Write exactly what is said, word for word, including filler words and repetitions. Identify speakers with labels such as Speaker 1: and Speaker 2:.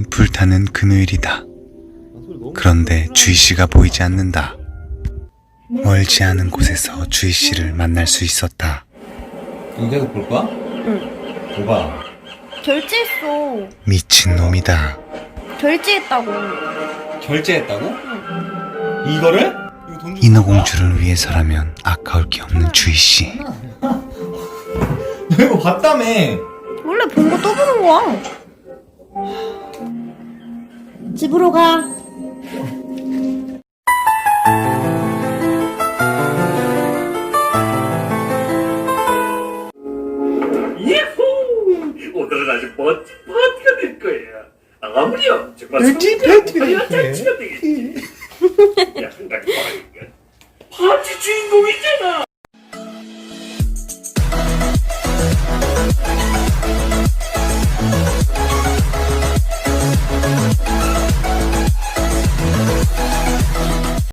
Speaker 1: 불타는 금요일이다. 그런데 주희씨가 보이지 않는다. 멀지 않은 곳에서 주희씨를 만날 수 있었다.
Speaker 2: 이제서 볼 거야?
Speaker 3: 응.
Speaker 2: 뭐가?
Speaker 3: 결제했어.
Speaker 1: 미친놈이다.
Speaker 3: 결제했다고.
Speaker 2: 결제했다고?
Speaker 3: 응.
Speaker 2: 이거를? 이거 돈 주...
Speaker 1: 인어공주를 위해서라면 아까울 게 없는 주희씨.
Speaker 2: 너 이거 봤다며.
Speaker 3: 원래 본 거 또 보는 거야. 집으로 가.
Speaker 4: 예후! 오늘은 아주 멋진 파티가 될 거야. 아무렴 정말
Speaker 2: 멋진
Speaker 4: 성대한
Speaker 2: 파티가
Speaker 4: 화려한
Speaker 2: 될
Speaker 4: 잔치가 되겠지. 야, 나 파티 주인공이잖아.